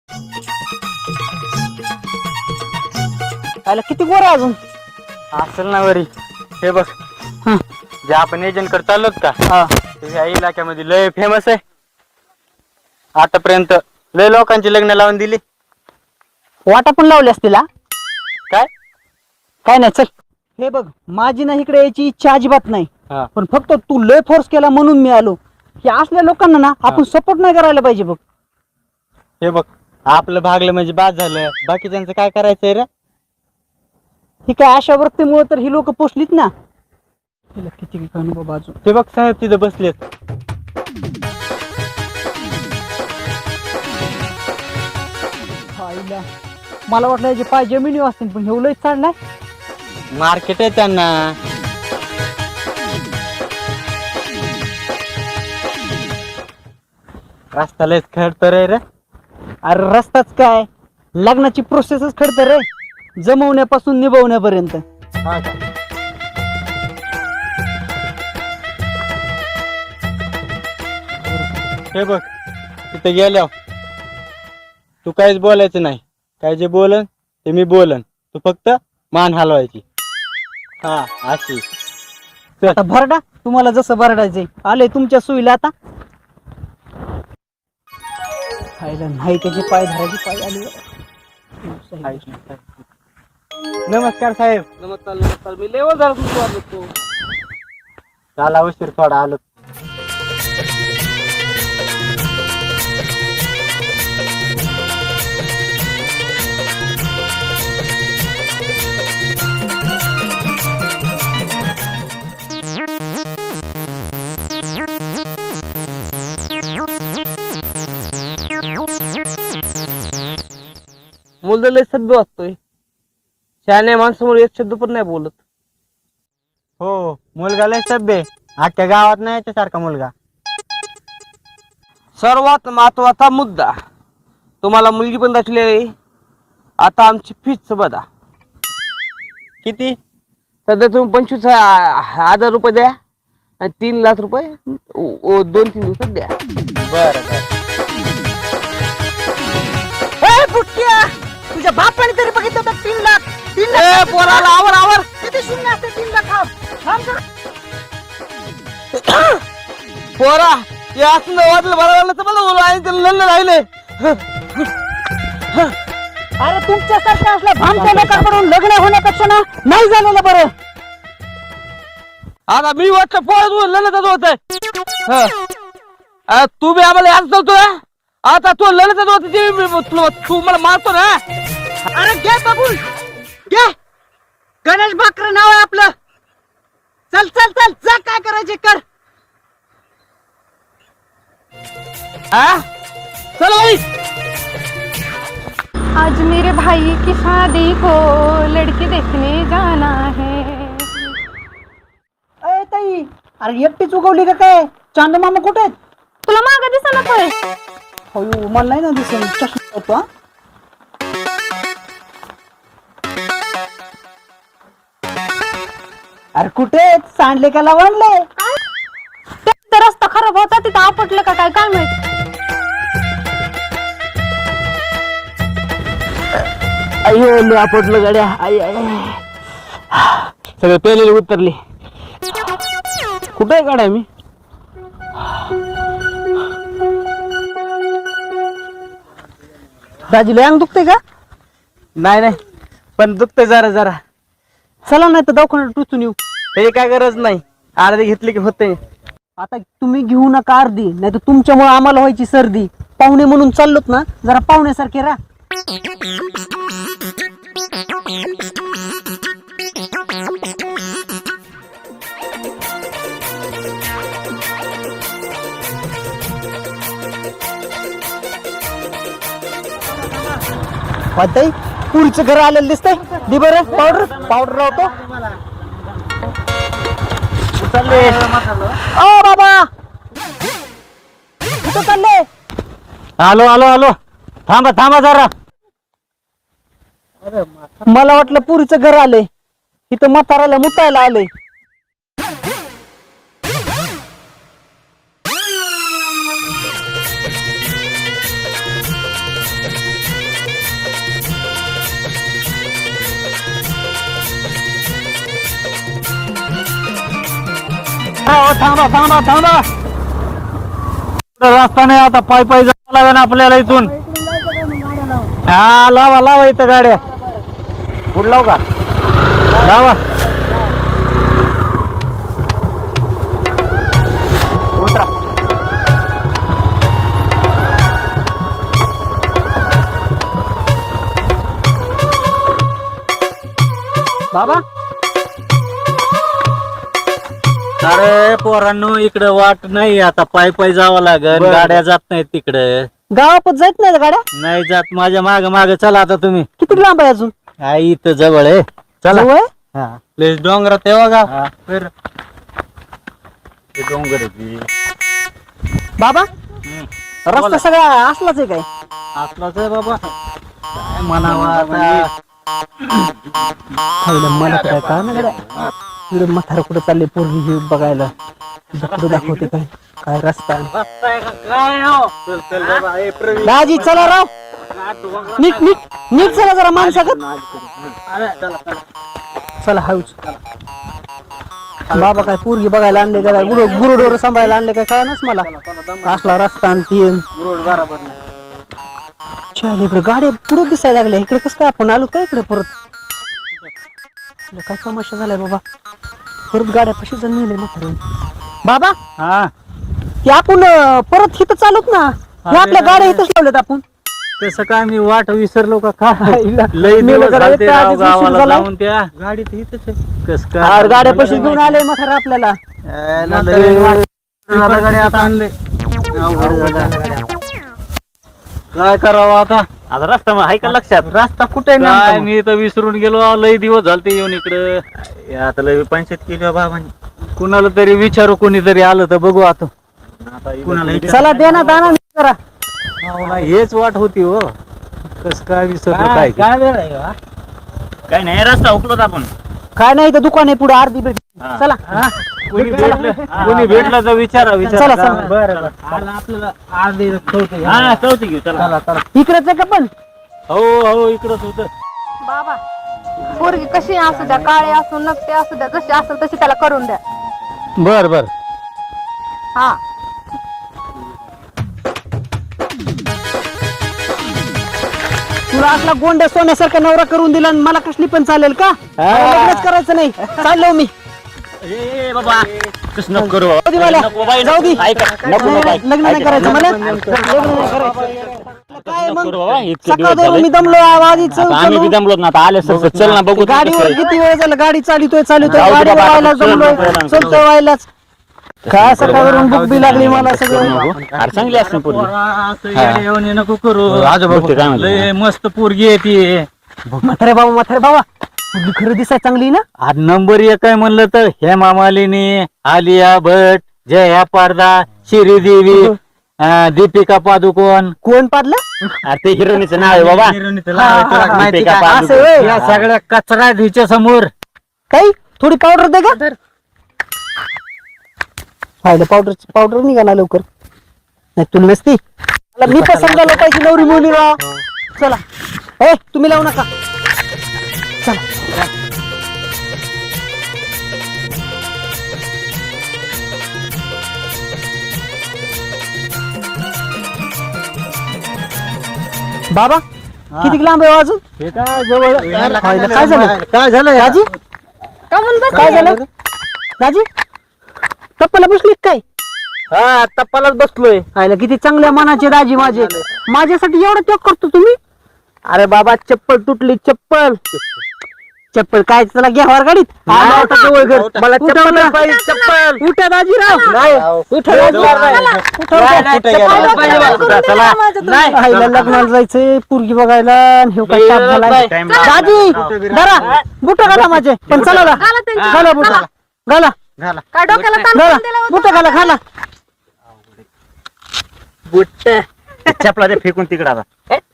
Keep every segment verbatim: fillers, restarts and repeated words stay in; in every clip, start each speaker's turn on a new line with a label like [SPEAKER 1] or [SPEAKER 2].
[SPEAKER 1] आला किती गोर आहे अजून
[SPEAKER 2] असेल ना वरी. हे बघ, जे आपण एजंट कडे चाललोत का,
[SPEAKER 1] हा
[SPEAKER 2] ते ह्या इलाक्यामध्ये लय फेमस आहे. आतापर्यंत लय लोकांची लग्न लावून दिली.
[SPEAKER 1] वाटा पण लावली असतील हा?
[SPEAKER 2] काय
[SPEAKER 1] काय नाही चल. हे बघ, माझी ना इकडे यायची इच्छा अजिबात नाही,
[SPEAKER 2] हा
[SPEAKER 1] पण फक्त तू लय फोर्स केला म्हणून मी आलो. की असल्या लोकांना ना आपण सपोर्ट नाही करायला पाहिजे बघ.
[SPEAKER 2] हे बघ, आपलं भागलं म्हणजे बाद झालं. बाकीच्यांचं काय करायचंय रे?
[SPEAKER 1] ही काय अशा वृत्तीमुळे तर ही लोक पोचलीत ना. तिला किती अनुभव बाजू.
[SPEAKER 2] ते बघ साहेब तिथे बसलेत.
[SPEAKER 1] आईला, मला वाटलं याचे पाय जमिनी असतील, पण हे लय चढलाय.
[SPEAKER 2] मार्केट आहे त्यांना. रस्ता लयच खडतर आहे रे.
[SPEAKER 1] अरे रस्ताच काय, लग्नाची प्रोसेसच खडतर रे, जमवण्यापासून निभवण्यापर्यंत.
[SPEAKER 2] हा का? हे बघ, तिथे गेल्यावर तू काहीच बोलायचं नाही. काय जे बोलन ते मी बोलन, तू फक्त मान हलवायची. हा अशी.
[SPEAKER 1] आता भरडा, तुम्हाला जसं भरडायचंय. आले तुमच्या सोयीला आता. खायला नाही त्याचे पाय धरायचे, पाय आले.
[SPEAKER 2] नमस्कार साहेब.
[SPEAKER 1] नमस्कार नमस्कार. मी लेवल झाला तुमचं.
[SPEAKER 2] झाला उशीर थोडा आलो.
[SPEAKER 1] मुलगा लय सभ्य असतोय, शहाण्या माणसामुळे एक शब्द पण नाही बोलत.
[SPEAKER 2] हो, मुलगा लय सभ्य. अख्ख्या गावात नाही याच्यासारखा मुलगा.
[SPEAKER 1] सर्वात महत्वाचा मुद्दा, तुम्हाला मुलगी पण दाखली आहे. आता आमची फीस बघा
[SPEAKER 2] किती?
[SPEAKER 1] सध्या तुम्ही पंचवीस हजार रुपये द्या आणि तीन लाख रुपये ओ- दोन तीन दिवसात द्या.
[SPEAKER 2] बर बर.
[SPEAKER 1] तुझ्या बापाने तरी बघितलं तर तीन लाख तीन लाख पोराला आवर आवर किती शून्य असते. तीन लाख पोरा हे असलं वाटलं बरं तर मला लढलं राहिले. अरे तुमच्यासारख्या असल्या भामच्या लोकांकडून लग्न होण्यापेक्षा ना नाही झालेलं बरं. आता मी वाटतं पोरत लढतच होत. तू बी आम्हाला याच चालतोय. आता तू लढतच होत, तू मला मारतो ना. अरे घे बघून घे. गणेश भाकरे नाव आहे आपलं. चल चल चल जा, काय करायचे कर. हा चल भाई.
[SPEAKER 3] आज मेरे भाई की शादी को लड़की देखने जाना है.
[SPEAKER 1] अरे ताई, अरे एकटीच उगवली का काय? चांद मामा कुठे आहेत?
[SPEAKER 3] तुला माग दिसना होय?
[SPEAKER 1] अयो मला नाही ना दिसेल. चष्मा होतो हा. अरे कुठे सांडले का लावणले?
[SPEAKER 3] ते रस्ता खराब होता तिथं आपटलं का काय काय माहित.
[SPEAKER 1] अयो मी आपटलं गाड्या. आई आई सगळे पेलेले उतरले. कुठे गाड्या मी? दाजीला अंग दुखते का?
[SPEAKER 2] नाही नाही, पण दुखतंय जरा जरा.
[SPEAKER 1] चला नाही तर दवाखान्यात टुचून येऊ.
[SPEAKER 2] त्याची काय गरज नाही, अर्धी घेतली की होते.
[SPEAKER 1] आता तुम्ही घेऊ नका अर्धी, नाही तर तुमच्यामुळे आम्हाला व्हायची सर्दी. पाहुणे म्हणून चाललोत ना, जरा पाहुण्यासारखे राहा. वाटतंय पुढचं घर आलेलं दिसतंय. दि बरं पावडर पावडर राहतो. चालले ओ बाबा, कुठं चालले?
[SPEAKER 2] आलो आलो आलो. थांबा थांबा जरा.
[SPEAKER 1] मला वाटलं पुरीचं घर आलंय, इथं म्हाताराला मुतायला आलंय.
[SPEAKER 2] थांबा थांबा थांबा रस्ता नाही आता पाय पाय जावं लागेल आपल्याला इथून. हा लावा लावा इथं गाड्या पुढे लाव का लावा. उतरा. बाबा अरे पोरांनो इकडे वाट नाही आता पाय पाय जावं लागेल. गाड्या जात नाहीत तिकडे.
[SPEAKER 4] गावात जात नाही गाड्या
[SPEAKER 2] नाही जात. माझ्या माग माग चला आता तुम्ही.
[SPEAKER 4] किती लांब आहे अजून?
[SPEAKER 2] हा इथं जवळ आहे चला.
[SPEAKER 4] जवळ?
[SPEAKER 2] हा प्लेस डोंगरात तेव्हा का फिर ते डोंगर आहे ती.
[SPEAKER 4] बाबा
[SPEAKER 2] हम्म.
[SPEAKER 4] रस्ता
[SPEAKER 2] बोला.
[SPEAKER 4] सगळा असलाच आहे काय?
[SPEAKER 2] असलाच आहे बाबा काय म्हणावं आता.
[SPEAKER 4] खायला मला तर काय कळलं नाही गड्या. इकडे म्हातारा कुठे चालले पोरगी ही बघायला. कुठे दाखवते काय काय रस्ता आहे.
[SPEAKER 2] बसताय का काय हो? चल चल बाबा ए प्रवीण.
[SPEAKER 4] दाजी चला राव नीट नीट नीट चला जरा माणसाकत.
[SPEAKER 2] अरे चला चला.
[SPEAKER 4] चला हळूच. बाबा काय पोरगी बघायला आणले का काय गुरु गुरुडोर सांभाळायला आणले काय कळनच मला. असला रस्ता आणि ती
[SPEAKER 2] रोड बरोबर नाही.
[SPEAKER 4] चल इकडे गाड्या पुढे दिसायला लागल्या. इकडे कसं काय आपण आलो काय इकडे परत? काय समस्या झालाय बाबा. परत गाड्या कशी जण नेले म्हातारे. बाबा
[SPEAKER 2] हा
[SPEAKER 4] ते आपण अं, परत इथं चालूत ना. हे आपल्या गाड्या इथंच लावल्यात आपण.
[SPEAKER 2] तसं काय मी वाट विसरलो का काय.
[SPEAKER 4] आईला.
[SPEAKER 2] लई
[SPEAKER 4] मेलं
[SPEAKER 2] दिवस
[SPEAKER 4] जरा
[SPEAKER 2] झालते
[SPEAKER 4] येतं,
[SPEAKER 2] राव
[SPEAKER 4] आधीच उशीर
[SPEAKER 2] गावाला
[SPEAKER 4] झाला.
[SPEAKER 2] जाऊन त्या गाडीत इथंच आहे. कस
[SPEAKER 4] आर
[SPEAKER 2] काय
[SPEAKER 4] गाड्या पैसे घेऊन आले म्हातारा आपल्याला.
[SPEAKER 2] यायला लई वाट झालं गाडी आता आणले. काय करावं आता.
[SPEAKER 1] आता रस्ता मग आहे का लक्षात?
[SPEAKER 2] रस्ता कुठे
[SPEAKER 1] काय मी तर विसरून गेलो. लई दिवस झालते येऊन इकडं.
[SPEAKER 2] आता लई पंचायत केली बाबांनी.
[SPEAKER 1] कुणाला तरी विचारू, कोणीतरी आलं तर बघू आता.
[SPEAKER 2] कुणाला
[SPEAKER 4] चला दे ना दाना जरा.
[SPEAKER 1] हेच वाट होती हो. कस काय विसरलो काय
[SPEAKER 2] काय वेळ आहे का?
[SPEAKER 1] काय नाही रस्ता हुकलोत आपण.
[SPEAKER 4] काय नाही तर दुकान आहे पुढे अर्धी भेट. चला
[SPEAKER 1] कोणी भेटलं कोणी भेटलं तर विचारा विचारा.
[SPEAKER 4] चला चला
[SPEAKER 2] बरं बरं आला आपल्याला अर्धी चौथी.
[SPEAKER 1] हा चौथी घेऊ चला.
[SPEAKER 2] चला चला.
[SPEAKER 4] इकडेच आहे का पण?
[SPEAKER 1] हो हो इकडच होत.
[SPEAKER 3] बाबा पोरगी कशी असू द्या, काळे असू नकटे असू द्या, जशी असेल तशी त्याला करून द्या.
[SPEAKER 2] बर बर.
[SPEAKER 3] हा
[SPEAKER 4] तुला असला गोंड्या सोन्यासारखा नवरा करून दिला आणि मला कसली पण चालेल का? मला लग्नच करायचं नाही. चाललो मी.
[SPEAKER 1] ए बाबा कसं नको करू
[SPEAKER 4] जाऊ दे मला.
[SPEAKER 1] नको बाबा,
[SPEAKER 4] जाऊ दे.
[SPEAKER 1] ऐका, नको
[SPEAKER 4] नाही,
[SPEAKER 1] बाबा,
[SPEAKER 4] नाही, लग्न नाही
[SPEAKER 1] ऐका.
[SPEAKER 4] करायचं मला. लग्न नाही करायचं. काय मग?
[SPEAKER 1] करू बाबा, इतके
[SPEAKER 4] सकाळ
[SPEAKER 1] दिवस
[SPEAKER 4] दोन
[SPEAKER 1] झाले.
[SPEAKER 4] मी दमलो आवाजी
[SPEAKER 1] आता आम्ही बी दमलोत ना आता आले सर चल ना बघू
[SPEAKER 4] गाडीवर किती वेळ झाला गाडी चालितोय चालितोय
[SPEAKER 1] जाऊ दे
[SPEAKER 4] गाडीवर
[SPEAKER 1] बाबा,
[SPEAKER 4] व्हायला
[SPEAKER 1] आता चल
[SPEAKER 4] जमलोय
[SPEAKER 1] नको ना.
[SPEAKER 4] चलतोय व्हायलाच. काय सकाळवरून बुक बी लागली मला सगळं.
[SPEAKER 1] अरे चांगली असते पोरगी.
[SPEAKER 2] असं येऊन ये नको करू.
[SPEAKER 1] आजोबा बघते काय म्हणतो.
[SPEAKER 2] लय मस्त पोरगी आहे ती.
[SPEAKER 4] म्हातारे बाबा म्हातारे बाबा मुलगी खरं दिसाय चांगली ना.
[SPEAKER 2] आज नंबर एक आहे म्हणलं तर हेमा मालिनी, आलिया भट, जया पारदा, श्रीदेवी, अं, दीपिका पादुकोण.
[SPEAKER 4] कोण पाडलं?
[SPEAKER 1] अरे ते हिरोनीचं नाव आहे बाबा.
[SPEAKER 4] हा, हा, हा.
[SPEAKER 1] माहिती का?
[SPEAKER 4] असं होय.
[SPEAKER 2] या सगळ्या कचरा आहे हिच्या समोर.
[SPEAKER 4] काही थोडी पावडर दे का? पाहिलं पावडर पावडर निघाला लवकर. नाही तुला नसती. मला मी पण समजायला पाहिजे नवरी मुली राव. चला ए तुम्ही लावू नका. चला बाबा किती लांब आहे हो अजून?
[SPEAKER 2] हे काय जवळ
[SPEAKER 4] पाहिलं, काय झालं?
[SPEAKER 2] काय झालं
[SPEAKER 4] राजी
[SPEAKER 3] का म्हणून बस
[SPEAKER 4] काय झालं? राजी कप्पाला बसली काय?
[SPEAKER 1] हा टप्पालाच बसलोय.
[SPEAKER 4] पाहिलं किती चांगल्या मनाचे दाजी माझे. माझ्यासाठी एवढा त्याग करतो तुम्ही? अरे बाबा चप्पल तुटली चप्पल. चप्पल काय चला घ्या वर गाडीत. आला होता जवळ घर.
[SPEAKER 1] मला
[SPEAKER 4] उठा,
[SPEAKER 1] चप्पल
[SPEAKER 4] उठा.
[SPEAKER 1] पाहिजे, चप्पल.
[SPEAKER 4] उठा दाजीराव.
[SPEAKER 1] नाही.
[SPEAKER 4] उठा दाजीराव. उठा,
[SPEAKER 1] नाही,
[SPEAKER 4] उठा.
[SPEAKER 1] नाही, चप्पल पाहिजे मला. चला. नाही.
[SPEAKER 4] आईला लग्नाला जायचंय पोरगी बघायला आणि ह्यो काय ताप झालाय.
[SPEAKER 1] टाइम
[SPEAKER 4] दाजी जरा बुट घाला माझे. पण चला ना.
[SPEAKER 3] घाला त्यांची.
[SPEAKER 4] घाला बुट घाला
[SPEAKER 3] काय डोक्याला ताण
[SPEAKER 4] घाला
[SPEAKER 3] करून दिला होता?
[SPEAKER 4] बुट घाला घाला.
[SPEAKER 1] बुट्ट चपला ते फेकून तिकडे आता.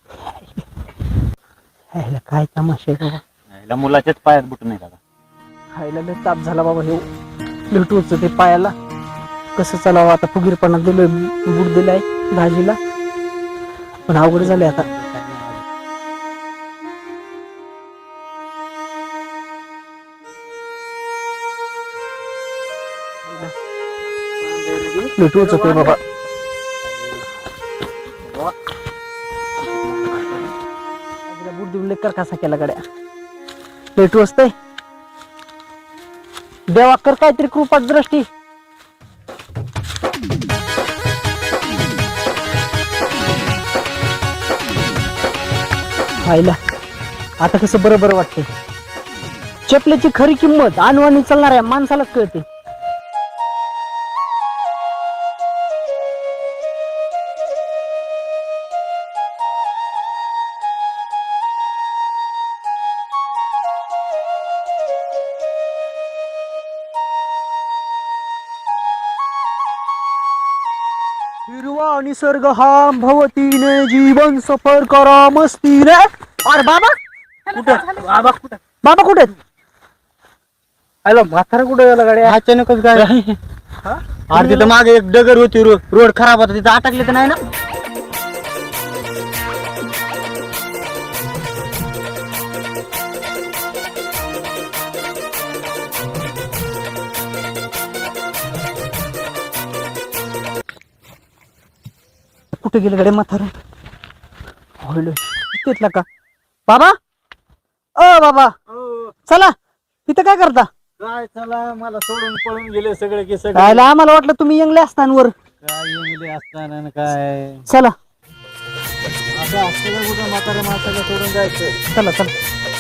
[SPEAKER 4] आईला काय तमाशा आहे बाबा.
[SPEAKER 1] याला मुलाच्याच पायात बुट नाही दादा.
[SPEAKER 4] खायला लय ताप झाला बाबा हे लुटूच ते पायाला. कसं चालावं आता फुगीरपणा दिलोय बूट दिलाय भाजीला पण अवघड झाले आता. लय टोचतोय बाबा. बुट देऊन लेकर कसा केला गड्या. लय टोचतंय. देवा कर काहीतरी कृपा दृष्टी. खायला आता कसं बरं बरं वाटतंय. चपलेची खरी किंमत आणवानी चालणाऱ्या माणसालाच कळते. हिरवा निसर्ग हा भवतीने जीवन सफर करा मस्तीने. अरे बाबा कुठे बाबा कुठे बाबा कुठे आलो म्हातारा कुठे गेला गाड्या.
[SPEAKER 2] अचानकच काय अरे तिथं मागे एक डगर होती रो- रोड खराब होता तिथं अटकले तर नाही ना.
[SPEAKER 4] कुठे गेले गडे म्हातारा. तिथला का बाबा. अ बाबा चला तिथं काय करता.
[SPEAKER 2] काय चला मला सोडून पळून गेले सगळे की सगळे.
[SPEAKER 4] राहिला आम्हाला वाटलं तुम्ही यंगले असताना.
[SPEAKER 2] काय येऊन असताना न काय
[SPEAKER 4] चला
[SPEAKER 2] असं असतं का कुठं म्हाताऱ्या माणसाला सोडून जायचं.
[SPEAKER 4] चला चला